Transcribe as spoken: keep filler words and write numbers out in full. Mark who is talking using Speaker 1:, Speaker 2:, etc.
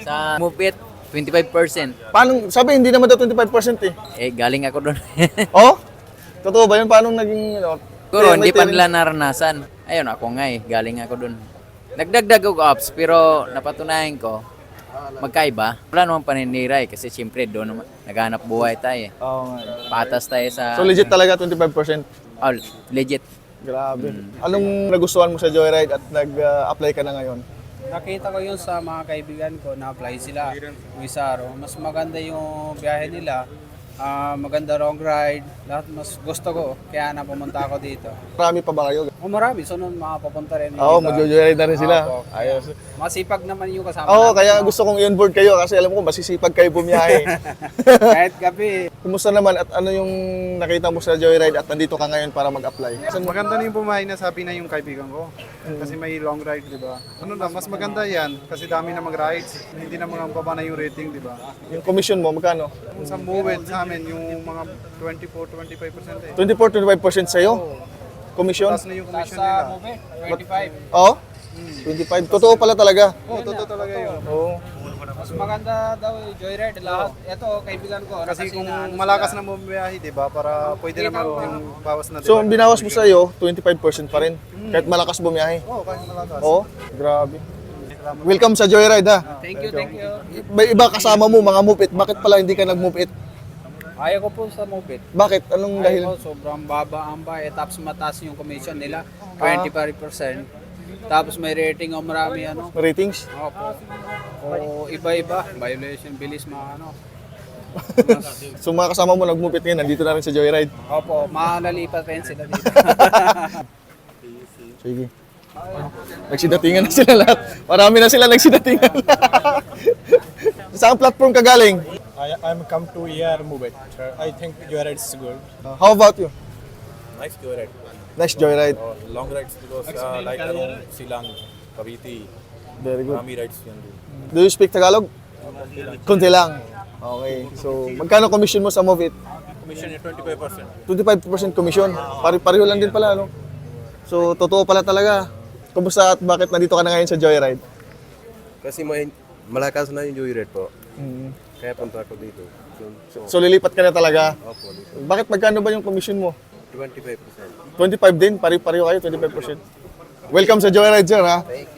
Speaker 1: Sa Mupit, twenty-five percent.
Speaker 2: Paano, sabi hindi naman daw twenty-five percent eh.
Speaker 1: Eh, galing ako doon.
Speaker 2: Oh? Totoo ba yun? Paano naging, ano?
Speaker 1: Siguro,
Speaker 2: may
Speaker 1: hindi pa
Speaker 2: tiring-
Speaker 1: nila naranasan. Ayun, ako nga eh. Galing ako doon. Nagdagdag ako apps, pero napatunayan ko, magkaiba. Wala namang paninira eh, kasi siyempre doon naman, naghanap buhay tayo eh.
Speaker 2: Oo nga.
Speaker 1: Patas tayo sa...
Speaker 2: So legit talaga twenty-five percent.
Speaker 1: Oh, legit.
Speaker 2: Grabe. Anong nagustuhan mo sa Joyride at nag-apply ka na ngayon?
Speaker 3: Nakita ko yun sa mga kaibigan ko na apply sila. Yung Isaro. Mas maganda yung biyahe nila. Ah, maganda long ride. Lahat mas gusto ko. Kaya na pumunta ako dito.
Speaker 2: Marami pa ba kayo?
Speaker 3: O marami. Sunod makapapunta rin. yung
Speaker 2: Oo,
Speaker 3: iba.
Speaker 2: mag-joyride na rin sila.
Speaker 3: Opo.
Speaker 2: Ayos.
Speaker 3: Masipag naman yung kasama
Speaker 2: Oo,
Speaker 3: namin,
Speaker 2: kaya
Speaker 3: no?
Speaker 2: gusto kong i-onboard kayo kasi alam ko masisipag kayo bumiyahe.
Speaker 3: Kahit gabi.
Speaker 2: Kumusta naman at ano yung nakita mo sa Joyride at nandito ka ngayon para mag-apply? Saan mo-
Speaker 4: Maganda na yung bumahay na sabi na yung kaibigan ko. Kasi may long ride, di ba? Ano na, mas maganda yan kasi dami na mag-rides. Hindi na mga baba na yung rating, di ba?
Speaker 2: Yung commission mo, magkano?
Speaker 4: Kung sa Mowed sa amin, yung mga twenty-four to twenty-five percent eh.
Speaker 2: twenty-four to twenty-five percent sa'yo? Commission?
Speaker 4: Taas na yung
Speaker 3: Tapos
Speaker 4: commission
Speaker 3: sa
Speaker 4: nila.
Speaker 3: movie, twenty-five.
Speaker 2: Oo? twenty-five. Totoo pala talaga.
Speaker 4: Oo, totoo talaga yun.
Speaker 2: Oo.
Speaker 3: Mas maganda daw yung joyride. Lahat. Ito, kaibigan ko. ano
Speaker 4: Kasi kung
Speaker 3: na ano
Speaker 4: malakas
Speaker 3: sila.
Speaker 4: na bumiyahe, di ba? Para pwede naman yung bawas na, di
Speaker 2: So,
Speaker 4: ba?
Speaker 2: ang binawas mo sa'yo, twenty-five percent pa rin. Kahit malakas bumiyahe.
Speaker 4: Oo, kahit malakas.
Speaker 2: Oo? Grabe. Welcome sa Joyride ha.
Speaker 3: Thank you, thank you.
Speaker 2: May iba kasama mo, mga mupit. Bakit pala hindi ka nagmupit?
Speaker 3: Ayaw ko po sa movie.
Speaker 2: Bakit? Anong dahil?
Speaker 3: Ayaw ko, sobrang baba ang bayad. Tapos mataas yung commission nila. twenty-five percent. Tapos may rating o marami ano.
Speaker 2: Ratings?
Speaker 3: Opo. O iba-iba. Violation, bilis mga ano.
Speaker 2: So mga kasama mo nagmupit ngayon, nandito na rin sa Joyride.
Speaker 3: Opo, malalipat rin sila dito.
Speaker 2: Sige. Nagsidatingan na sila lahat. Marami na sila nagsidatingan. Saan platform ka galing?
Speaker 5: I I'm come to here move it. I think joyride is good.
Speaker 2: Uh, how about you?
Speaker 6: Nice joyride.
Speaker 2: Nice Joyride.
Speaker 6: Or long rides because uh, like around Silang, Cavite,
Speaker 2: Very good.
Speaker 6: Rami rides you can do.
Speaker 2: Do you speak Tagalog? Kunti lang. Okay. So, magkano commission mo sa Movit?
Speaker 6: Commission is twenty-five percent.
Speaker 2: twenty-five percent commission. Pari-pareho lang din pala, no? So, totoo pala talaga. Kumusta at bakit nandito ka na ngayon sa Joyride?
Speaker 7: Kasi may malakas na yung joyride po.
Speaker 2: Mm.
Speaker 7: Kaya punta ako dito. So, so
Speaker 2: So, lilipat ka na talaga.
Speaker 7: opo, dito.
Speaker 2: Bakit magkano ba yung commission mo?
Speaker 7: twenty-five percent.
Speaker 2: twenty-five din? Pari-pareho kayo, twenty-five percent. Welcome sa Joyride, sir, ha?